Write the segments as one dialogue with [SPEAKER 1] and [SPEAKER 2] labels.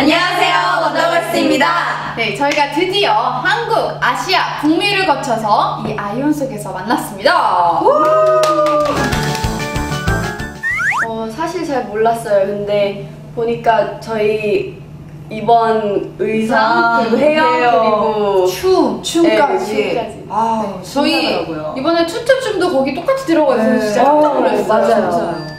[SPEAKER 1] 안녕하세요, 원더걸스입니다.
[SPEAKER 2] 네, 저희가 드디어 한국, 아시아, 북미를 거쳐서 이 아이온 속에서 만났습니다.
[SPEAKER 1] 사실 잘 몰랐어요. 근데 보니까 저희 이번 의상, 그리고 헤어, 그리고
[SPEAKER 2] 춤까지.
[SPEAKER 1] 춤까지.
[SPEAKER 2] 네, 저희 이번에 투투춤도 거기 똑같이 들어가 있어서 진짜 깜짝 놀랐어요.
[SPEAKER 1] 맞아요.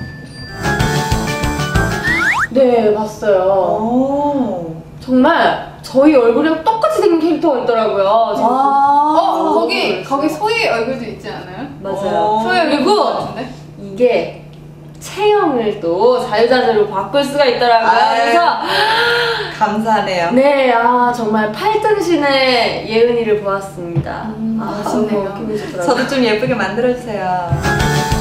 [SPEAKER 1] 네, 봤어요. 정말 저희 얼굴이랑 똑같이 생긴 캐릭터가 있더라고요.
[SPEAKER 2] 거기 소희 얼굴도 있지 않아요?
[SPEAKER 1] 맞아요.
[SPEAKER 2] 소희 얼굴
[SPEAKER 1] 그리고
[SPEAKER 2] 같은데?
[SPEAKER 1] 이게 체형을 또 자유자재로 바꿀 수가 있더라고요. 그래서
[SPEAKER 3] 감사하네요.
[SPEAKER 1] 네, 정말 8등신의 예은이를 보았습니다.
[SPEAKER 2] 멋있네요.
[SPEAKER 1] 너무 기분이 좋더라고요.
[SPEAKER 3] 저도 좀 예쁘게 만들어주세요.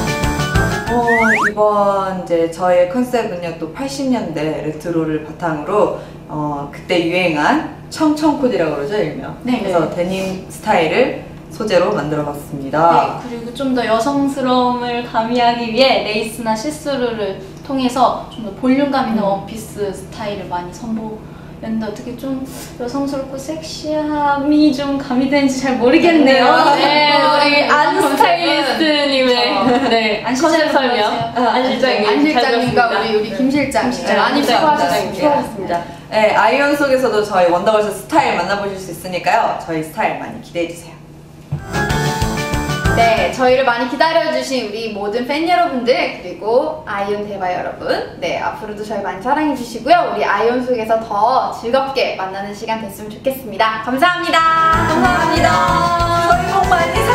[SPEAKER 3] 이번 이제 저의 컨셉은요, 또 80년대 레트로를 바탕으로 그때 유행한 청청코디라고 그러죠, 일명.
[SPEAKER 2] 네.
[SPEAKER 3] 그래서 데님 스타일을 소재로 만들어봤습니다.
[SPEAKER 4] 네, 그리고 좀 더 여성스러움을 가미하기 위해 레이스나 시스루를 통해서 좀 더 볼륨감 있는 원피스 스타일을 많이 선보였는데 어떻게 좀 여성스럽고 섹시함이 좀 가미되는지 잘 모르겠네요.
[SPEAKER 1] 네, 우리 안 스타일리스트님의
[SPEAKER 4] 네, 안
[SPEAKER 1] 컨셉 설명. 안 실장님.
[SPEAKER 2] 안 실장님과 우리 김 실장 많이 수고하셨습니다.
[SPEAKER 1] 수고하셨습니다.
[SPEAKER 3] 네, 아이온 속에서도 저희 원더걸스 스타일 만나보실 수 있으니까요. 저희 스타일 많이 기대해주세요.
[SPEAKER 2] 네, 저희를 많이 기다려주신 우리 모든 팬 여러분들, 그리고 아이온 대바 여러분, 네, 앞으로도 저희 많이 사랑해주시고요. 우리 아이온 속에서 더 즐겁게 만나는 시간 됐으면 좋겠습니다. 감사합니다.
[SPEAKER 3] 감사합니다. 저희 복 많이